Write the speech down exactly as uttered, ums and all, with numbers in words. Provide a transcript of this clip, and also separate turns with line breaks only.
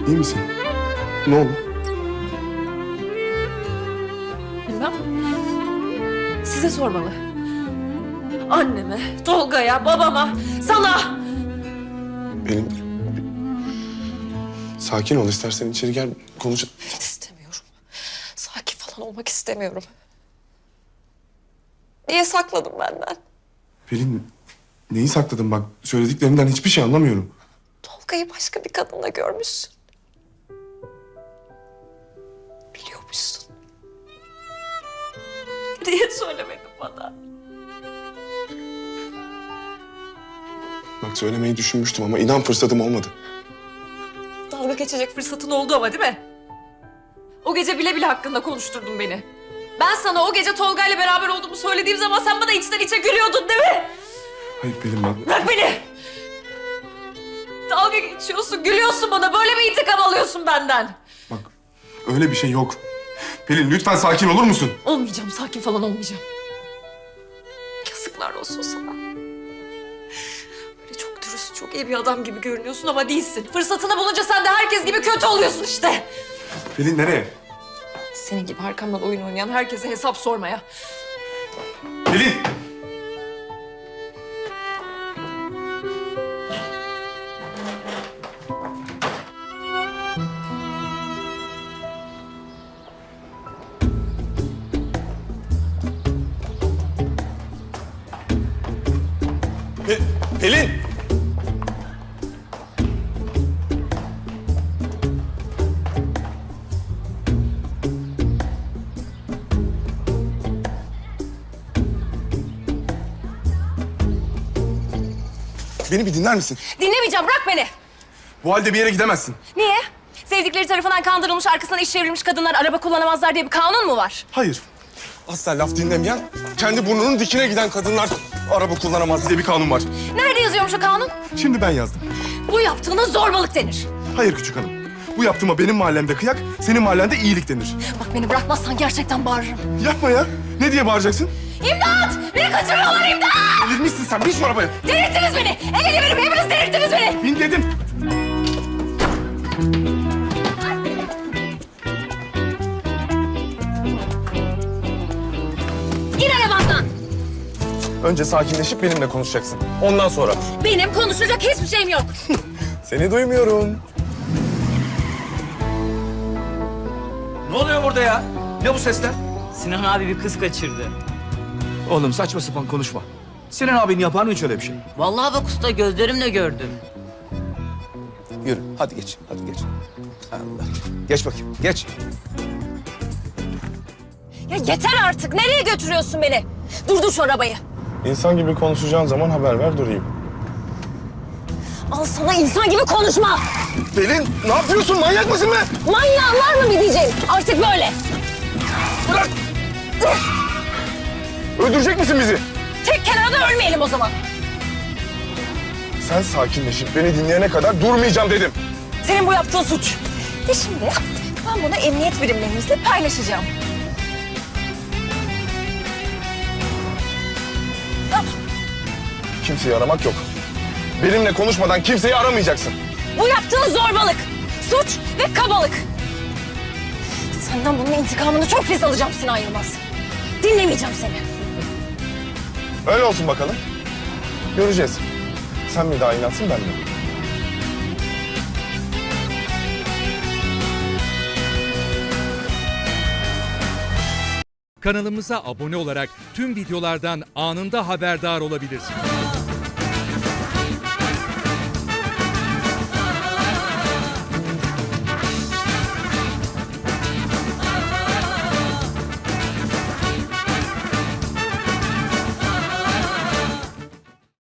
İyi misin? Ne oldu?
Bilmem. Size sormalı. Anneme, Tolga'ya, babama, sana.
Pelin... Sakin ol, istersen içeri gel konuş.
İstemiyorum. Sakin falan olmak istemiyorum. Niye sakladın benden?
Pelin, neyi sakladın bak? Söylediklerinden hiçbir şey anlamıyorum.
Tolga'yı başka bir kadınla görmüşsün. Biliyormuşsun. Niye söylemedin bana?
Bak söylemeyi düşünmüştüm ama inan fırsatım olmadı.
Dalga geçecek fırsatın oldu ama değil mi? O gece bile bile hakkında konuşturdun beni. Ben sana o gece Tolga ile beraber olduğumu söylediğim zaman sen bana içten içe gülüyordun değil mi?
Hayır Pelin bak.
Bırak beni! Dalga geçiyorsun, gülüyorsun bana. Böyle mi intikam alıyorsun benden?
Bak öyle bir şey yok. Pelin lütfen sakin olur musun?
Olmayacağım, sakin falan olmayacağım. Yazıklar olsun sana. Böyle çok dürüst, çok iyi bir adam gibi görünüyorsun ama değilsin. Fırsatını bulunca sen de herkes gibi kötü oluyorsun işte.
Pelin nereye?
Senin gibi arkamdan oyun oynayan herkese hesap sormaya.
Pelin! Pe Pelin! Beni bir dinler misin?
Dinlemeyeceğim, bırak beni.
Bu halde bir yere gidemezsin.
Niye? Sevdikleri tarafından kandırılmış, arkasından iş çevrilmiş kadınlar araba kullanamazlar diye bir kanun mu var?
Hayır. Asla laf dinlemeyen, kendi burnunun dikine giden kadınlar araba kullanamaz diye bir kanun var.
Nerede yazıyormuş o kanun?
Şimdi ben yazdım.
Bu yaptığına zorbalık denir.
Hayır küçük hanım. Bu yaptığıma benim mahallemde kıyak, senin mahallende iyilik denir.
Bak beni bırakmazsan gerçekten bağırırım.
Yapma ya. Ne diye bağıracaksın?
İmdat! Beni kaçırıyorlar, imdat!
Delirmişsin sen. Bin şu arabaya.
Delirttiniz beni! El ele verin, hepiniz delirttiniz beni!
Bin dedim.
İn arabandan!
Önce sakinleşip benimle konuşacaksın. Ondan sonra.
Benim konuşacak hiçbir şeyim yok.
Seni duymuyorum.
Ne oluyor burada ya? Ne bu sesler?
Sinan abi bir kız kaçırdı.
Oğlum saçma sapan konuşma. Sinan abin yapar mı hiç öyle bir şey?
Vallahi bak usta gözlerimle gördüm.
Yürü hadi geç hadi geç. Allah. Geç bakayım geç.
Ya yeter artık, nereye götürüyorsun beni? Durdur şu arabayı.
İnsan gibi konuşacağın zaman haber ver durayım.
Al sana insan gibi konuşma!
Pelin ne yapıyorsun? Manyak mısın be?
Manyağın var mı bir diyeceğim? Artık böyle.
Bırak. Öldürecek misin bizi?
Tek kenarda ölmeyelim o zaman.
Sen sakinleşip beni dinleyene kadar durmayacağım dedim.
Senin bu yaptığın suç. Ve şimdi ben bunu emniyet birimlerimizle paylaşacağım. Tamam.
Kimseyi aramak yok. Benimle konuşmadan kimseyi aramayacaksın.
Bu yaptığın zorbalık, suç ve kabalık. Senden bunun intikamını çok pis alacağım Sinan Yılmaz. Dinlemeyeceğim seni.
Öyle olsun bakalım. Göreceğiz. Sen mi daha inansın ben mi?
Kanalımıza abone olarak tüm videolardan anında haberdar olabilirsiniz.